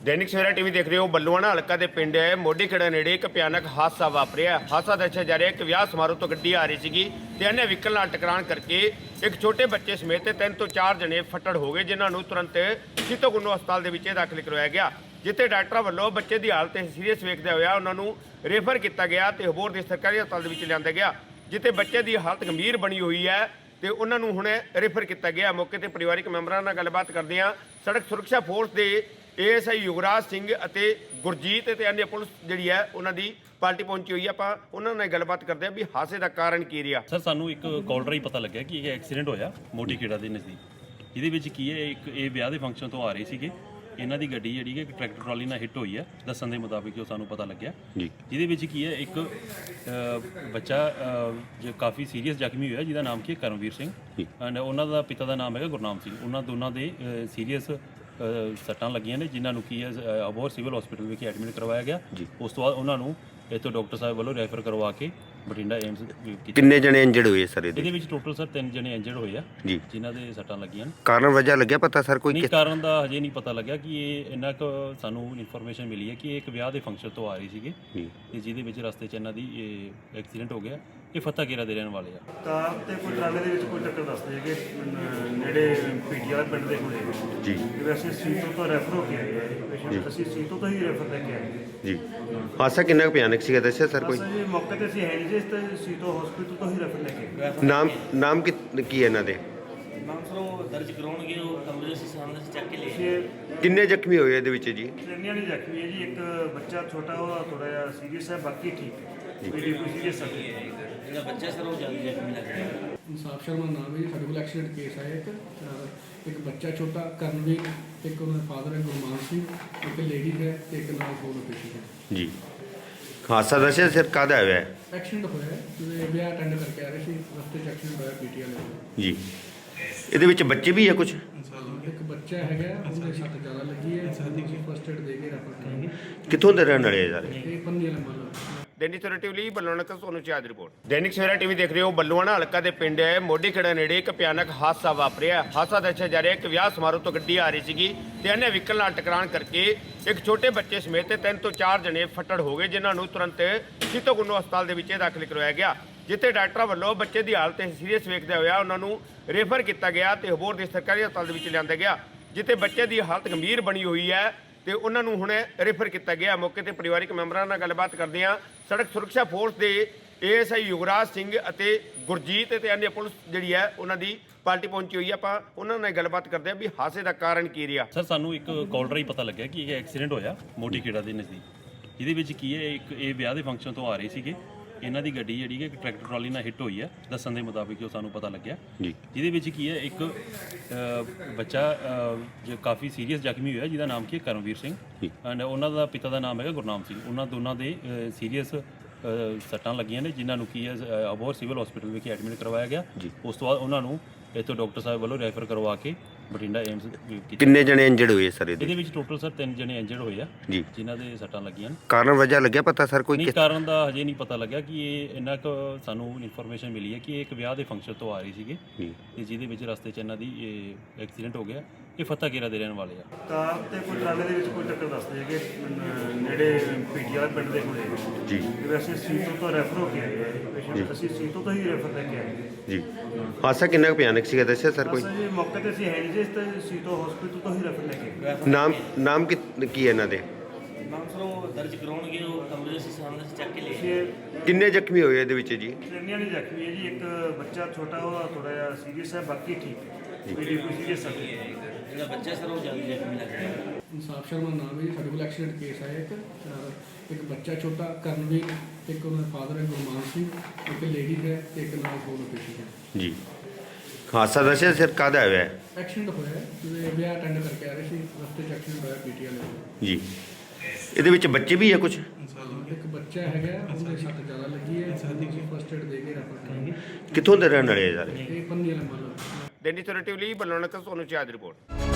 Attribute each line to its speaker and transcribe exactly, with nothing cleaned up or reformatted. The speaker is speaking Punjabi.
Speaker 1: दैनिक सवेरा टीवी देख रहे हो। बल्लूआणा हलका के पिंड मोडी खेड़ा नेड़े एक भयानक हादसा वापरिया। हादसा दस्सिया जा रहा है कि विआह समारोह तो गड्डी आ रही सी ते अन्य व्हीकल नाल टकराण करके एक छोटे बच्चे समेत तीन तो चार जने फट्टड़ हो गए, जिन्होंने तुरंत सीतोगुनो हस्पताल के दाखिल करवाया गया, जिथे डॉक्टर वालों बच्चे की हालत सीरीयस वेखदे होया उन्होंने रेफर किया गया तो होर के सरकारी हस्पताल लिया गया, जिथे बच्चे की हालत गंभीर बनी हुई है तो उन्होंने हुणे रेफर किया गया। मौके पर परिवारिक मैंबरों नाल गलबात करदे हां सड़क सुरक्षा फोर्स के ए एस आई युवराज सिंह ਅਤੇ गुरजीत ਤੇ अन्य पुलिस ਜਿਹੜੀ ਹੈ ਉਹਨਾਂ ਦੀ ਪਾਰਟੀ ਪਹੁੰਚੀ ਹੋਈ ਹੈ। ਆਪਾਂ ਉਹਨਾਂ ਨਾਲ ਗੱਲਬਾਤ ਕਰਦੇ ਹਾਂ ਵੀ ਹਾਦਸੇ ਦਾ ਕਾਰਨ ਕੀ ਰਿਹਾ।
Speaker 2: ਸਰ ਸਾਨੂੰ ਇੱਕ ਕਾਲ ਰਾਹੀਂ ਪਤਾ ਲੱਗਿਆ ਕਿ ਇਹ ਐਕਸੀਡੈਂਟ ਹੋਇਆ ਮੋਟੀ ਖੇੜਾ ਦੇ ਨਜ਼ਦੀਕ। ਇਹਦੇ ਵਿੱਚ ਕੀ ਹੈ, ਇੱਕ ਇਹ ਵਿਆਹ ਦੇ ਫੰਕਸ਼ਨ ਤੋਂ ਆ ਰਹੇ ਸੀਗੇ, ਇਹਨਾਂ ਦੀ ਗੱਡੀ ਜਿਹੜੀ ਹੈ ਇੱਕ ਟਰੈਕਟਰ ਟਰਾਲੀ ਨਾਲ ਹਿੱਟ ਹੋਈ ਹੈ ਦੱਸਣ ਦੇ ਮੁਤਾਬਿਕ ਜੋ ਸਾਨੂੰ ਪਤਾ ਲੱਗਿਆ ਜੀ। ਜਿਹਦੇ ਵਿੱਚ ਕੀ ਹੈ, ਇੱਕ ਬੱਚਾ ਜੋ ਕਾਫੀ ਸੀਰੀਅਸ ਜ਼ਖਮੀ ਹੋਇਆ ਜਿਹਦਾ ਨਾਮ ਕੀ ਹੈ ਕਰਮਵੀਰ ਸਿੰਘ, ਐਂਡ ਉਹਨਾਂ ਦਾ ਪਿਤਾ ਦਾ ਨਾਮ ਹੈਗਾ ਗੁਰਨਾਮ ਸਿੰਘ। ਉਹਨਾਂ ਦੋਨਾਂ ਦੇ ਸੀਰੀਅਸ ਸੱਟਾਂ ਲੱਗੀਆਂ ਨੇ, ਜਿਨ੍ਹਾਂ ਨੂੰ ਕੀ ਹੈ ਅਬੋਹਰ ਸਿਵਲ ਹਸਪੀਟਲ ਵਿਖੇ ਐਡਮਿਟ ਕਰਵਾਇਆ ਗਿਆ। ਉਸ ਤੋਂ ਬਾਅਦ ਉਹਨਾਂ ਨੂੰ ਇੱਥੋਂ ਡਾਕਟਰ ਸਾਹਿਬ ਵੱਲੋਂ ਰੈਫਰ ਕਰਵਾ ਕੇ ਬਠਿੰਡਾ ਏਮਸ ਕੀਤਾ।
Speaker 1: ਕਿੰਨੇ ਜਣੇ ਇੰਜਰਡ ਹੋਏ ਸਰ ਇਹਦੇ
Speaker 2: ਇਹਦੇ ਵਿੱਚ ਟੋਟਲ ਸਰ ਤਿੰਨ ਜਣੇ ਇੰਜਰਡ ਹੋਏ ਆ
Speaker 1: ਜੀ,
Speaker 2: ਜਿਨ੍ਹਾਂ ਦੇ ਸੱਟਾਂ ਲੱਗੀਆਂ ਨੇ।
Speaker 1: ਕਾਰਨ ਵਜ੍ਹਾ ਲੱਗਿਆ ਪਤਾ ਸਰ ਕੋਈ?
Speaker 2: ਨਹੀਂ, ਕਾਰਨ ਦਾ ਹਜੇ ਨਹੀਂ ਪਤਾ ਲੱਗਿਆ ਕਿ ਇਹ ਇੰਨਾ ਕੁ ਸਾਨੂੰ ਇਨਫੋਰਮੇਸ਼ਨ ਮਿਲੀ ਹੈ ਕਿ ਇਹ ਇੱਕ ਵਿਆਹ ਦੇ ਫੰਕਸ਼ਨ ਤੋਂ ਆ ਰਹੀ ਸੀਗੇ ਤੇ ਜਿਹਦੇ ਵਿੱਚ ਰਸਤੇ 'ਚ ਇਹਨਾਂ ਦੀ ਇਹ ਐਕਸੀਡੈਂਟ ਹੋ ਗਿਆ। ਇਹ ਫਤਿਹਗੇਰਾ ਦੇ ਰਹਿਣ ਵਾਲੇ ਆ।
Speaker 3: ਕਾਰ ਤੇ ਕੋਈ ਟਰਾਲੇ ਦੇ ਵਿੱਚ ਕੋਈ ਟੱਕਰ ਦੱਸਦੇ ਹੈਗੇ ਨੇੜੇ ਪੀਟੀ ਵਾਲਾ ਪਿੰਡ ਦੇ ਕੋਲੇ
Speaker 1: ਜੀ।
Speaker 3: ਵੈਸੇ ਸੀਤੋ ਤੋਂ ਰੈਫਰ ਹੋ ਕੇ ਆਏ ਪੇਸ਼ੈਂਟ, ਅਸੀਂ ਸੀਤੋ ਤੋਂ ਹੀ ਰੈਫਰ ਲੈ ਕੇ ਆਏ
Speaker 1: ਜੀ। ਹਾਦਸਾ ਕਿੰਨਾ ਕੁ ਭਿਆਨਕ ਸੀਗਾ ਦੱਸਿਆ ਸਰ ਕੋਈ?
Speaker 3: ਬਸ ਜੀ ਮੌਕੇ ਤੇ ਅਸੀਂ ਹੈ ਨਹੀਂ ਜੀ, ਇਸ ਤੇ ਸੀਤੋ ਹਸਪੀਟਲ ਤੋਂ ਹੀ ਰੈਫਰ ਲੈ ਕੇ ਆਏ।
Speaker 1: ਨਾਮ ਨਾਮ ਕੀ ਕੀ ਹੈ ਇਹਨਾਂ ਦੇ?
Speaker 4: ਨਾਮ ਸਰ ਉਹ ਦਰਜ ਕਰਾਉਣਗੇ, ਉਹ ਕਮਰੇ ਦੇ ਸਾਹਮਣੇ ਸੇ ਚੱਕ ਕੇ ਲੈ
Speaker 3: ਅਸੀਂ
Speaker 1: ਕਿੰਨੇ ਜ਼ਖਮੀ ਹੋਏ ਇਹਦੇ ਵਿੱਚ ਜੀ?
Speaker 3: ਟ੍ਰੇਨੀਆਂ ਨਹੀਂ ਜ਼ਖਮੀ ਹੈ ਜੀ, ਇੱਕ ਬੱਚਾ ਛੋਟਾ ਉਹਦਾ ਥੋੜਾ ਜਿਹਾ ਸੀਰੀਅਸ ਹੈ, ਬਾਕੀ ਠੀਕ ਹੈ। ਮੇਰੀ ਕੋਈ ਸੀਰੀਅਸ ਨਹੀਂ ਹੈ।
Speaker 4: ਜਿਹੜਾ ਬੱਚਾ ਸਰ ਉਹ ਜਲਦੀ ਜ਼ਖਮੀ ਲੱਗ ਰਿਹਾ।
Speaker 5: ਇਨਸਾਫ ਸ਼ਰਮਾ ਨਾਮ ਹੈ ਜੀ। ਸਾਡੇ ਕੋਲ ਐਕਸੀਡੈਂਟ ਕੇਸ ਆਇਆ ਇੱਕ ਅਹ ਇੱਕ ਬੱਚਾ ਛੋਟਾ ਕਰਨਵੀਰ, ਇੱਕ ਉਹਨਾਂ ਦਾ ਫਾਦਰ ਹੈ ਗੁਰਮਾਨ ਸਿੰਘ, ਇੱਕ ਲੇਡੀ ਹੈ ਤੇ ਇੱਕ ਨਾਲ ਹੋਰ ਪੇਸ਼ੈਂਟ ਹੈ
Speaker 1: ਜੀ। ਹਾਦਸਾ ਦੱਸਿਆ ਸਰ ਕਾਹਦਾ ਹੋਇਆ ਹੈ?
Speaker 5: ਐਕਸੀਡੈਂਟ ਹੋਇਆ ਹੈ ਤੇ ਵਿਆਹ ਅਟੈਂਡ ਕਰਕੇ ਆ ਰਹੇ ਸੀ, ਰਸਤੇ 'ਚ ਐਕਸੀਡੈਂਟ ਹੋਇਆ ਪੀਟੀ ਵਾਲੇ ਦਾ।
Speaker 1: ਜੀ। ਇਹਦੇ ਵਿੱਚ ਬੱਚੇ ਵੀ ਹੈ ਕੁਝ?
Speaker 5: ਇੱਕ ਬੱਚਾ ਹੈਗਾ, ਉਹਦੇ ਸੱਟ ਜ਼ਿਆਦਾ ਲੱਗੀ ਹੈ, ਫਸਟ ਏਡ ਦੇ ਕੇ ਰੈਫਰ ਕਰਾਂਗੇ।
Speaker 1: ਕਿੱਥੋਂ ਦੇ ਰਹਿਣ ਵਾਲੇ ਸਾਰੇ?
Speaker 5: ਇਹ ਪੰਨੀ ਵਾਲਾ ਮਾਲ।
Speaker 1: दैनिक सवेरा टीवी बल्लूआणा ਤੋਂ सोनू चाद रिपोर्ट। दैनिक सवेरा टीवी देख रहे हो। बल्लूआणा हलका ਦੇ ਪਿੰਡ ਮੋਡੀ ਖੇੜਾ ਨੇੜੇ ਇੱਕ ਭਿਆਨਕ ਹਾਦਸਾ ਵਾਪਰਿਆ। ਹਾਦਸਾ ਦੱਸਿਆ ਜਾ ਰਿਹਾ ਹੈ ਕਿ ਵਿਆਹ ਸਮਾਰੋਹ ਤੋਂ ਗੱਡੀ ਆ ਰਹੀ ਸੀਗੀ ਤੇ अन्य व्हीकल ਨਾਲ ਟਕਰਾਣ ਕਰਕੇ ਇੱਕ ਛੋਟੇ ਬੱਚੇ ਸਮੇਤ ਤਿੰਨ ਤੋਂ ਚਾਰ ਜਣੇ ਫੱਟੜ ਹੋ ਗਏ, ਜਿਨ੍ਹਾਂ ਨੂੰ ਤੁਰੰਤ ਸੀਤੋਗੁनो ਹਸਪਤਾਲ ਦੇ ਵਿੱਚ ਦਾਖਲ ਕਰਵਾਇਆ ਗਿਆ, ਜਿੱਥੇ ਡਾਕਟਰ ਵੱਲੋਂ ਬੱਚੇ ਦੀ ਹਾਲਤ ਸੀਰੀਅਸ ਵੇਖਦੇ ਹੋਇਆ ਉਹਨਾਂ ਨੂੰ ਰੈਫਰ ਕੀਤਾ ਗਿਆ ਤੇ ਹੋਰ ਦੇ ਸਰਕਾਰੀ ਹਸਪਤਾਲ ਦੇ ਵਿੱਚ ਲਿਆਂਦਾ ਗਿਆ, ਜਿੱਥੇ ਬੱਚੇ ਦੀ ਹਾਲਤ ਗੰਭੀਰ ਬਣੀ ਹੋਈ ਹੈ ਤੇ ਉਹਨਾਂ ਨੂੰ ਹੁਣੇ ਰੈਫਰ ਕੀਤਾ ਗਿਆ। ਮੌਕੇ ਤੇ ਪਰਿਵਾਰਿਕ ਮੈਂਬਰਾਂ ਨਾਲ ਗੱਲਬਾਤ ਕਰਦੇ ਹਾਂ ਸੜਕ ਸੁਰੱਖਿਆ ਫੋਰਸ ਦੇ ਏ ਐਸ ਆਈ ਯੁਵਰਾਜ ਸਿੰਘ ਅਤੇ ਗੁਰਜੀਤ ਤੇ अन्य ਪੁਲਿਸ ਜਿਹੜੀ ਹੈ ਉਹਨਾਂ ਦੀ ਪਾਰਟੀ ਪਹੁੰਚੀ ਹੋਈ ਹੈ। ਆਪਾਂ ਉਹਨਾਂ ਨਾਲ ਗੱਲਬਾਤ ਕਰਦੇ ਹਾਂ ਵੀ ਹਾਦਸੇ ਦਾ ਕਾਰਨ ਕੀ ਰਿਹਾ।
Speaker 2: ਸਰ ਸਾਨੂੰ ਇੱਕ ਕਾਲ ਰਾਹੀਂ ਪਤਾ ਲੱਗਿਆ ਕਿ ਇਹ ਐਕਸੀਡੈਂਟ ਹੋਇਆ ਮੋਟੀ ਖੇੜਾ ਦੇ ਨਜ਼ਦੀਕ। ਜਿਹਦੇ ਵਿੱਚ ਕੀ ਹੈ, ਇੱਕ ਇਹ ਵਿਆਹ ਦੇ ਫੰਕਸ਼ਨ ਤੋਂ ਆ ਰਹੇ ਸੀਗੇ, ਇਹਨਾਂ ਦੀ ਗੱਡੀ ਜਿਹੜੀ ਹੈ ਇੱਕ ਟਰੈਕਟਰ ਟਰਾਲੀ ਨਾਲ ਹਿੱਟ ਹੋਈ ਹੈ ਦੱਸਣ ਦੇ ਮੁਤਾਬਿਕ ਜੋ ਸਾਨੂੰ ਪਤਾ ਲੱਗਿਆ ਜੀ। ਜਿਹਦੇ ਵਿੱਚ ਕੀ ਹੈ, ਇੱਕ ਬੱਚਾ ਜੋ ਕਾਫੀ ਸੀਰੀਅਸ ਜ਼ਖਮੀ ਹੋਇਆ ਜਿਹਦਾ ਨਾਮ ਕੀ ਹੈ ਕਰਮਵੀਰ ਸਿੰਘ, ਐਂਡ ਉਹਨਾਂ ਦਾ ਪਿਤਾ ਦਾ ਨਾਮ ਹੈਗਾ ਗੁਰਨਾਮ ਸਿੰਘ। ਉਹਨਾਂ ਦੋਨਾਂ ਦੇ ਸੀਰੀਅਸ ਸੱਟਾਂ ਲੱਗੀਆਂ ਨੇ, ਜਿਨ੍ਹਾਂ ਨੂੰ ਕੀ ਹੈ ਅਬੋਹਰ ਸਿਵਲ ਹਸਪੀਟਲ ਵਿਖੇ ਐਡਮਿਟ ਕਰਵਾਇਆ ਗਿਆ। ਉਸ ਤੋਂ ਬਾਅਦ ਉਹਨਾਂ ਨੂੰ ਇੱਥੋਂ ਡਾਕਟਰ ਸਾਹਿਬ ਵੱਲੋਂ ਰੈਫਰ ਕਰਵਾ ਕੇ ਬਠਿੰਡਾ ਏਮਸ ਕੀਤਾ।
Speaker 1: ਕਿੰਨੇ ਜਣੇ ਇੰਜਰਡ ਹੋਏ ਸਰ ਇਹਦੇ?
Speaker 2: ਇਹਦੇ ਵਿੱਚ ਟੋਟਲ ਸਰ ਤਿੰਨ ਜਣੇ ਇੰਜਰਡ ਹੋਏ ਆ
Speaker 1: ਜੀ,
Speaker 2: ਜਿਨ੍ਹਾਂ ਦੇ ਸੱਟਾਂ ਲੱਗੀਆਂ ਨੇ।
Speaker 1: ਕਾਰਨ ਵਜ੍ਹਾ ਲੱਗਿਆ ਪਤਾ ਸਰ ਕੋਈ?
Speaker 2: ਨਹੀਂ, ਕਾਰਨ ਦਾ ਹਜੇ ਨਹੀਂ ਪਤਾ ਲੱਗਿਆ ਕਿ ਇਹ ਇੰਨਾ ਕੁ ਸਾਨੂੰ ਇਨਫੋਰਮੇਸ਼ਨ ਮਿਲੀ ਹੈ ਕਿ ਇਹ ਇੱਕ ਵਿਆਹ ਦੇ ਫੰਕਸ਼ਨ ਤੋਂ ਆ ਰਹੀ ਸੀਗੇ ਤੇ ਜਿਹਦੇ ਵਿੱਚ ਰਸਤੇ 'ਚ ਇਹਨਾਂ ਦੀ ਇਹ ਐਕਸੀਡੈਂਟ ਹੋ ਗਿਆ। ਇਹ ਫਤਿਹਗੇਰਾ ਦੇ ਰਹਿਣ ਵਾਲੇ ਆ।
Speaker 3: ਕਾਰ ਤੇ ਕੋਈ ਟਰਾਲੇ ਦੇ ਵਿੱਚ ਕੋਈ ਟੱਕਰ ਦੱਸਦੇ ਹੈਗੇ ਨੇੜੇ ਪੀਟੀ ਵਾਲਾ ਪਿੰਡ ਦੇ ਕੋਲੇ
Speaker 1: ਜੀ।
Speaker 3: ਵੈਸੇ ਸੀਤੋ ਤੋਂ ਰੈਫਰ ਹੋ ਕੇ ਆਏ ਪੇਸ਼ੈਂਟ, ਅਸੀਂ ਸੀਤੋ ਤੋਂ ਹੀ ਰੈਫਰ ਲੈ ਕੇ ਆਏ।
Speaker 1: ਜੀ। ਹਾਦਸਾ ਕਿੰਨਾ ਕੁ ਭਿਆਨਕ ਸੀਗਾ ਦੱਸਿਆ ਸਰ ਕੋਈ?
Speaker 3: ਬਸ ਜੀ ਮੌਕੇ ਤੇ ਅਸੀਂ ਹੈ ਨਹੀਂ ਜੀ, ਇਸ ਤੇ ਸੀਤੋ ਹਸਪੀਟਲ ਤੋਂ ਹੀ ਰੈਫਰ ਲੈ ਕੇ ਆਏ।
Speaker 1: ਨਾਮ ਨਾਮ ਕੀ ਕੀ ਹੈ ਇਹਨਾਂ ਦੇ?
Speaker 4: ਨਾਮ ਸਰ ਉਹ ਦਰਜ ਕਰਾਉਣਗੇ, ਉਹ ਕਮਰੇ ਦੇ ਸਾਹਮਣੇ ਸੇ ਚੱਕ ਕੇ ਲੈ
Speaker 3: ਅਸੀਂ
Speaker 1: ਕਿੰਨੇ ਜ਼ਖਮੀ ਹੋਏ ਇਹਦੇ ਵਿੱਚ ਜੀ?
Speaker 3: ਟ੍ਰੇਨੀਆਂ ਨਹੀਂ ਜ਼ਖਮੀ ਹੈ ਜੀ, ਇੱਕ ਬੱਚਾ ਛੋਟਾ ਉਹਦਾ ਥੋੜਾ ਜਿਹਾ ਸੀਰੀਅਸ ਹੈ, ਬਾਕੀ ਠੀਕ ਹੈ। ਮੇਰੀ ਕੋਈ ਸੀਰੀਅਸ ਨਹੀਂ ਹੈ।
Speaker 4: ਜਿਹੜਾ ਬੱਚਾ ਸਰ ਉਹ ਜਲਦੀ ਜ਼ਖਮੀ ਲੱਗ ਰਿਹਾ।
Speaker 5: ਇਨਸਾਫ ਸ਼ਰਮਾ ਨਾਮ ਹੈ ਜੀ। ਸਾਡੇ ਕੋਲ ਐਕਸੀਡੈਂਟ ਕੇਸ ਆਇਆ ਇੱਕ ਅਹ ਇੱਕ ਬੱਚਾ ਛੋਟਾ ਕਰਨਵੀਰ, ਇੱਕ ਉਹਨਾਂ ਦਾ ਫਾਦਰ ਹੈ ਗੁਰਮਾਨ ਸਿੰਘ, ਇੱਕ ਲੇਡੀ ਹੈ ਤੇ ਇੱਕ ਨਾਲ ਹੋਰ ਪੇਸ਼ੈਂਟ ਹੈ
Speaker 1: ਜੀ। ਹਾਦਸਾ ਦੱਸਿਆ ਸਰ ਕਾਹਦਾ ਹੋਇਆ ਹੈ?
Speaker 5: ਐਕਸੀਡੈਂਟ ਹੋਇਆ ਹੈ ਤੇ ਵਿਆਹ ਅਟੈਂਡ ਕਰਕੇ ਆ ਰਹੇ ਸੀ, ਰਸਤੇ 'ਚ ਐਕਸੀਡੈਂਟ ਹੋਇਆ ਪੀਟੀ ਵਾਲੇ ਦਾ।
Speaker 1: ਜੀ। ਇਹਦੇ ਵਿੱਚ ਬੱਚੇ ਵੀ ਹੈ ਕੁਝ?
Speaker 5: ਇੱਕ ਬੱਚਾ ਹੈਗਾ, ਉਹਦੇ ਸੱਟ ਜ਼ਿਆਦਾ ਲੱਗੀ ਹੈ, ਫਸਟ ਏਡ ਦੇ ਕੇ ਰੈਫਰ ਕਰਾਂਗੇ।
Speaker 1: ਕਿੱਥੋਂ ਦੇ ਰਹਿਣ ਵਾਲੇ ਸਾਰੇ?
Speaker 5: ਇਹ ਪੰਨੀ ਵਾਲਾ ਮਾਲ।
Speaker 1: दैनिक सवेरा टीवी बल्लूआणा ਤੋਂ सोनू चाद रिपोर्ट।